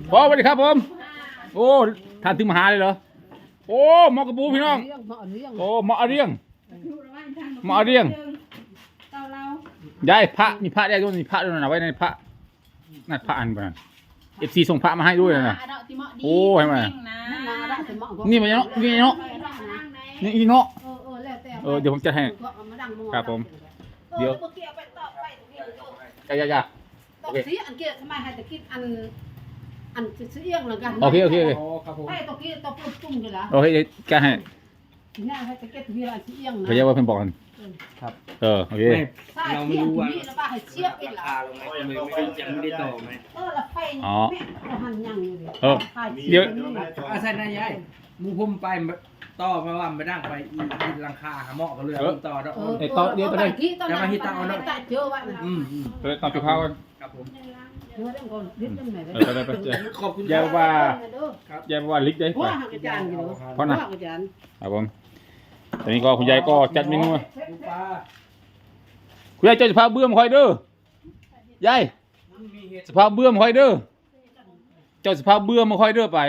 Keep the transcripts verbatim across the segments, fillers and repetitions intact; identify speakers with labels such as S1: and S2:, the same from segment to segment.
S1: พอสวัสดีครับผมโอ้ท่านถึงมาหาเลยเหรอโอ้หมอกระปูพี่น้องโอ้หมอเรียงหมอเรียงยายพระมีพระได้ด้วยมีพระด้วยนะไว้ในพระนั่นพระอันบ้านเอฟซีส่งพระมาให้ด้วยนะโอ้เห็นไหมนี่มันเนาะนี่เนาะนี่เนาะเออเดี๋ยวผมจะให้ครับผมเดี๋ยวอย่าอย่าอย่าโอเค
S2: อันเกี่ยทำไมให้ตะคิดอันอันซื้อเอียงเหมือนกัน
S1: โอเคโอเคโอเค
S2: ให้ตะกี้ตะปุ่มจุ่มกันละ
S1: โอเคแกให้
S2: เนี่ยให้ตะเกียบมีอะไรซื้อเอียงนะ
S1: พยายามว่าเพิ่นบอกกันครับเออโอเค
S2: เราไม่รู้ว่าแล้วป้าให้เชียบอีกละ
S3: ไม่ไม่ยังไม่ได้ต่อไหม
S2: เออละไฟเราหันยังอยู่เลย
S1: เออเดี๋ยว
S3: อาศัยนายยายมูพุ่มไปต่อเพราะว่าไม่ดังไปอีหลังคาหาหม้อก็เลยต่อแล้ว
S2: เออเออตอนเดียวตอนนี้ตอนนั้นเจอว่า
S3: อืม
S1: เออตอนจุดข้าวกัน
S3: ครับผม
S2: เจอเรื่องก่อนดิ้นยังไง
S1: เออไปไปไป
S3: ขอบคุณ
S1: อย่าว่าอย่าว่าลิกได้
S2: เพราะอาจารย์อยู่
S1: เพราะนะ
S2: อาจารย์
S1: ครับผมตอนนี้ก็คุณยายก็จัดเมนู
S3: ดูปลา
S1: คุณยายเจ้าสภาพเบื่อมคอยเด้อยายสภาพเบื่อมคอยเด้อเจ้าสภาพเบื่อมาคอยเด้อไป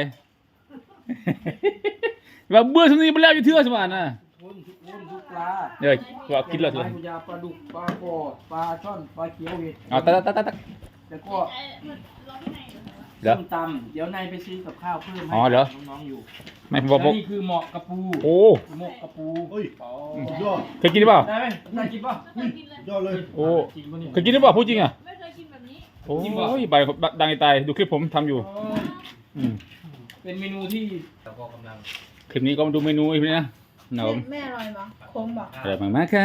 S1: แบบเบื่อทุกนี้ไปแล้วอยู่เทื่อสมานน่ะ
S3: ทุกทุกทุกปลา
S1: เดี๋ยวว่ากินแล้ว
S3: ป
S1: สิ
S3: ลาพยาปลาดุกปลาโกปลาช่อนปลาเขียวเห็ด
S1: เอาตัดตัดตัดตัด
S3: แล้วก็
S1: เดี๋ยว
S3: ส้มตำเดี๋ยวนายไปซื้อกับข้าวเพิ่มให้
S1: อ๋อเหรอ
S3: น้องๆอยู่
S1: ไม่ผมบอก
S3: แล้วนี่คือหมอกกระปู
S1: โอ้
S3: หมกกระปู
S4: เฮ้ย
S3: อ๋อ
S4: ยอด
S1: เคยกินหรือเปล่า
S3: ได้ไหมได้กินป่ะ
S4: ยอดเลย
S1: โอ้
S3: จริงป่ะเนี่ย
S1: เคยกินหรือเปล่าพูดจริงอ่ะ
S5: ไม่เคยกินแบบนี้
S1: โอ้ยใบดังในตายดูคลิปผมทำอยู่
S3: อ๋อ
S1: อืม
S3: เป็นเมนูที่เราก็กำลัง
S1: คลิปนี้ก็มาดูเมนูอีกทีนะนะครับผม
S5: แม่อร่อยมั้ยคงบอก
S1: อร่อยมากๆค่ะ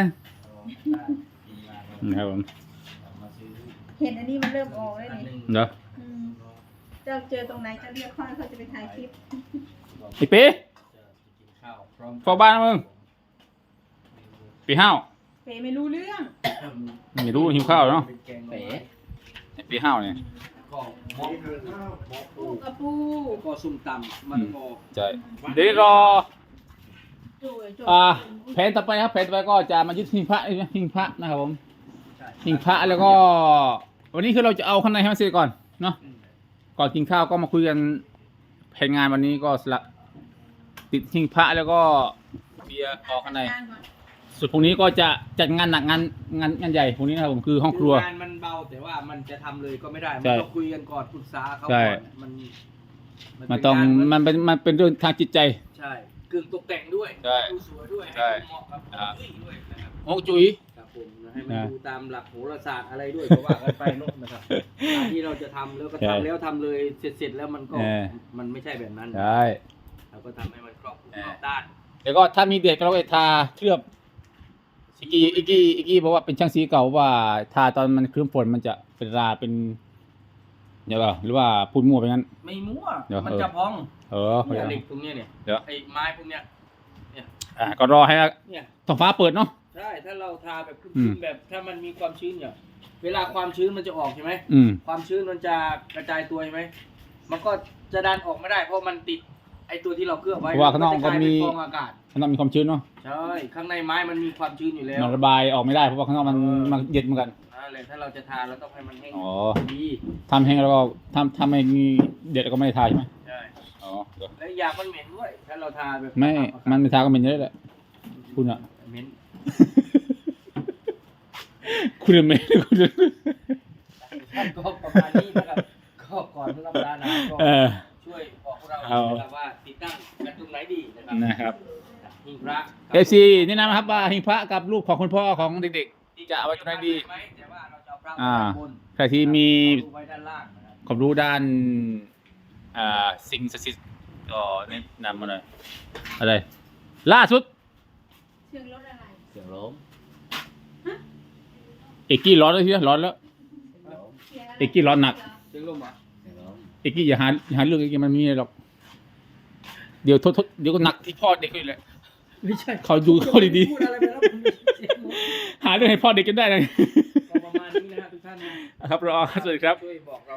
S1: นะครับผม
S5: เห็นอันนี้มันเริ่มออกแล้วนี่
S1: เดี๋ยว
S5: อืมเจ้าเจอตรงไหนจะเรียกค่อยเขาจะไปถ่ายคลิป
S1: ไอ้ปี
S3: ข้าวพร้อม
S1: ฟอบ้านนะมึงปีห้าว
S5: เปไม่รู้เรื่อง
S1: ไม่รู้หิวข้าวเนาะ
S3: เป็นแกงเป๋
S1: ปีห้าวเนี่ย
S3: ก็หมอก
S5: ปูกระปู
S3: แล้วก็ส้มตำมันก็
S1: ใช่เดี๋ยวรอ
S5: จุยจุย
S1: อ่าแผนต่อไปครับแผนต่อไปก็จะมายึดหิ้งพระหิ้งพระนะครับผม
S3: ใช่
S1: หิ้งพระแล้วก็ วันนี้คือเราจะเอาข้างในให้มันเสร็จก่อนเนาะก่อนกินข้าวก็มาคุยกันแผนงานวันนี้ก็สละติดหิ้งพระแล้วก็เบียร์ออกข้างในส่วนพรุ่งนี้ก็จะจัดงานหนักงานงานงานใหญ่พรุ่งนี้นะครับผมคือห้องครัว
S3: งานมันเบาแต่ว่ามันจะทำเลยก็ไม่ได้ มัน
S1: ใช่
S3: ต้องคุยกันก่อนปรึกษาเขา
S1: ใช่
S3: ก่อนมัน
S1: มันต้อง
S3: เป็
S1: มันเป็นมันเป็นเรื่องทางจิตใจ
S3: ใช่กึ่งตกแต่งด้วย
S1: ใช่
S3: ดูสวยด้วย
S1: ใช่
S3: ให้เหมาะกับ
S1: อ่า
S3: ที่ด้วยนะครับ
S1: โอ้จุ๋ย
S3: ครับผมให้มัน
S1: อ่า
S3: ดูตามหลักโหราศาสตร์อะไรด้วยก็ว่ากันไปเนอะนะครับการที่เราจะทำแล้วก็
S1: ใช่
S3: ทำแล้วทำเลยเสร็จเสร็จแล้วมันก็
S1: เออ
S3: มันไม่ใช่แบบนั้น
S1: ใช่
S3: เราก็ทำให้มันครอบคลุมรอบด้าน
S1: แล้วก็ถ้ามีเด็กเราก็ทาเคลือบอีกกี้อีกกี้อีกกี้บอกว่าเป็นช่างสีเก่าว่าทาตอนมันเคลือบฝนมันจะเป็นราเป็นเดี๋ยวเปล่าหรือว่าพูดมั่วไปงั้น
S3: ไม่มั่ว
S1: เดี๋ยว
S3: มันจะพอง
S1: เออ
S3: เนี่ยเหล็กตรงเนี้ยเนี่ย
S1: เดี๋ยว
S3: ไอ้ไม้พวกเนี้ย
S1: อ่ะก็รอให้
S3: เนี่ย
S1: ท้องฟ้าเปิดเนาะ
S3: ใช่ถ้าเราทาแบบ
S1: อื
S3: ชื้
S1: ม
S3: นๆแบบถ้ามันมีความชื้นเนี่ยเวลาความชื้นมันจะออกใช่ไหม
S1: อืม
S3: ความชื้นมันจะกระจายตัวใช่ไหมมันก็จะดันออกไม่ได้ เพราะมันติดไอ้ตัวที่เราเคลือบไว้
S1: เพราะว่าข้างนอก
S3: จะกลาย
S1: มันมี
S3: เป็นฟองอากาศ
S1: ข้างนอกมีความชื้นเนาะ
S3: ใช่ข้างในไม้มันมีความชื้นอยู่แล้ว
S1: มันระบายออกไม่ได้เพราะว่าข้างนอกมันมันเย็นเหมือนกัน
S3: นั่นแหละถ้าเราจะทาเราต้องให้มันแห้ง
S1: อ๋อ
S3: ดี
S1: ทำแห้งแล้วก็ทำทำให้มีเด็ดแล้วก็ไม่ได้ทาใช่ไหม
S3: ใช่
S1: อ๋อเดี๋ยว
S3: แล้วยามันเหม็นด้วย ถ้าเราทาแบบ
S1: ไม่มันไม่ทาก็เป็นเยอะแหละคุณอะ
S3: เหม็น
S1: คุณอะไม่คุณอะ
S3: ท่านก็ประมาณนี้นะครับก็ก่อนรับประทานอาหารก็
S1: เออ
S3: ช่วยบอกพวกเรา
S1: เอา
S3: นะครับว่าติดตั้งกันตรงไหนดีนะครับ
S1: นะครับ
S3: หิ้งพระ
S1: เอฟซีแนะนำนะครับว่าหิ้งพระกับรูปของคุณพ่อของเด็กๆจะเอาไว้ตรงไหนดี
S3: ไหมแต่ว่าเราจะเอาพระ
S1: อ่า
S3: ไว้ด้านบน
S1: ใครที่มี
S3: เอาไว้ด้านล่างนะครับ
S1: ความรู้ด้านอ่าสิ่งศักดิ์สิทธิ์ก็แนะนำมาหน่อยอะไร ล่าสุด
S5: เชียงรถอะไร
S3: เสียงลม
S1: เอกกี้ร้อนแล้วทีเดียวร้อนแล้ว
S5: เชียงอะไร
S1: เอกกี้ร้อนหนัก
S3: เสียงลมเหรอ่ะเสียงลม
S1: เอกกี้อย่าหาอย่าหาเรื่องเอกกี้มันไม่มีอะไรหรอกเดี๋ยวโทษโทษเดี๋ยวก็หนักที่พ่อเด็กเลยแหละ
S3: ไม่ใช่
S1: เขาดูเขาดี
S3: พูดอะไรไปแล้วผมเสียงลม
S1: ๆหาเรื่องให้พ่อเด็กกันได้เลย
S3: ก็ประมาณนี้นะครับทุกท่านนะ
S1: ครับรอสวัสดีครับ
S3: ช่วยบอกเรา